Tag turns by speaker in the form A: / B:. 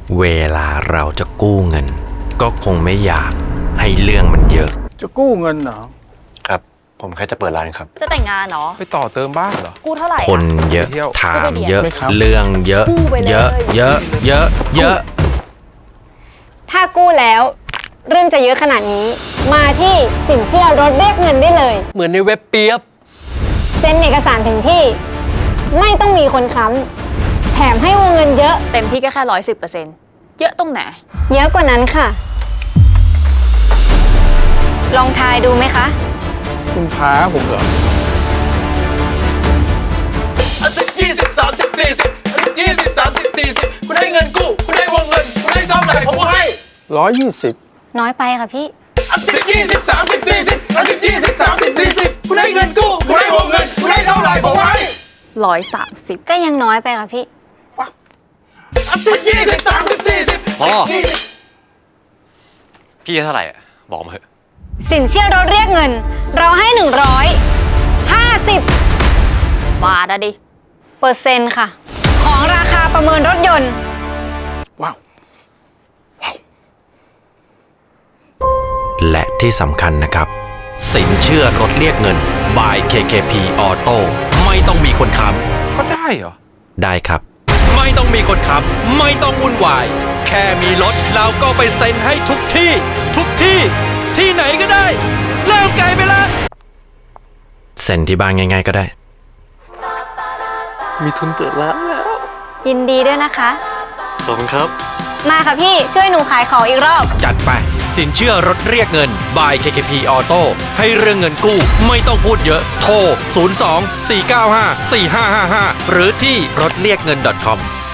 A: เวลาเราจะกู้เงินก็คงไม่อยากให้เรื่องมันเยอะ
B: จะกู้เงินเหรอ
C: ครับผมแค่จะเปิดร้านครับ
D: จะแต่งงานเหรอ
E: ไปต่อเติมบ้านเหรอ
D: กู้เท่าไหร่
A: คนเยอะถามเยอะเรื่องเยอะเยอะเยอะเยอะเยอะ
F: ถ้ากู้แล้วเรื่องจะเยอะขนาดนี้มาที่สินเชื่อรถเรียกเงินได้เลย
G: เหมือนในเว็บเปียบ
F: เซ็นเอกสารถึงที่ไม่ต้องมีคนค้ำแถมให้วงเงินเยอะ
D: เต็มที่ก็แค่110%เยอะตรงไหน
F: เยอะกว่านั้นค่ะลองทายดูไหมคะ
B: คุณท้าผมเหรอ
E: 10 20 30 40 20 30 40คุณได้เงินกู้คุณได้วงเงินคุณได้เท่าไหร่ผมให้
B: 120
F: น้อยไปค่ะพี่
E: 10 20 30 40 10 20 30 40คุณได้เงินกู้คุณได้วงเงินคุณได้เท่าไหร่ผมให้
D: 130
F: ก็ยังน้อยไปค่ะพี่
E: 10 20 30 40
C: พ่อพี่เท่าไหร่บอกมาเถอะ
F: สินเชื่อรถเรียกเงินเราให้150
D: บาทอะดิ
F: เปอร์เซ็นต์ค่ะของราคาประเมินรถยนต์
B: ว้าว
A: และที่สำคัญนะครับสินเชื่อรถเรียกเงิน by KKP Auto ไม่ต้องมีคนค้
E: ก็ได้เหรอ
A: ำได้ครับไม่ต้องมีคนค้ำไม่ต้องวุ่นวายแค่มีรถเราก็ไปเซ็นให้ทุกที่ที่ไหนก็ได้เริ่มไกลไปละเซ็นที่บ้านง่ายๆก็ได้
C: มีทุนเปิดร้านแล้ว
F: ยินดีด้วยนะคะ
C: ขอบคุณครับ
F: มาค่ะพี่ช่วยหนูขายของอีกรอบ
A: จัดไปสินเชื่อรถเรียกเงิน by KKP Auto ให้เรื่องเงินกู้ไม่ต้องพูดเยอะโทร 02 495 4555 หรือที่รถเรียกเงิน .com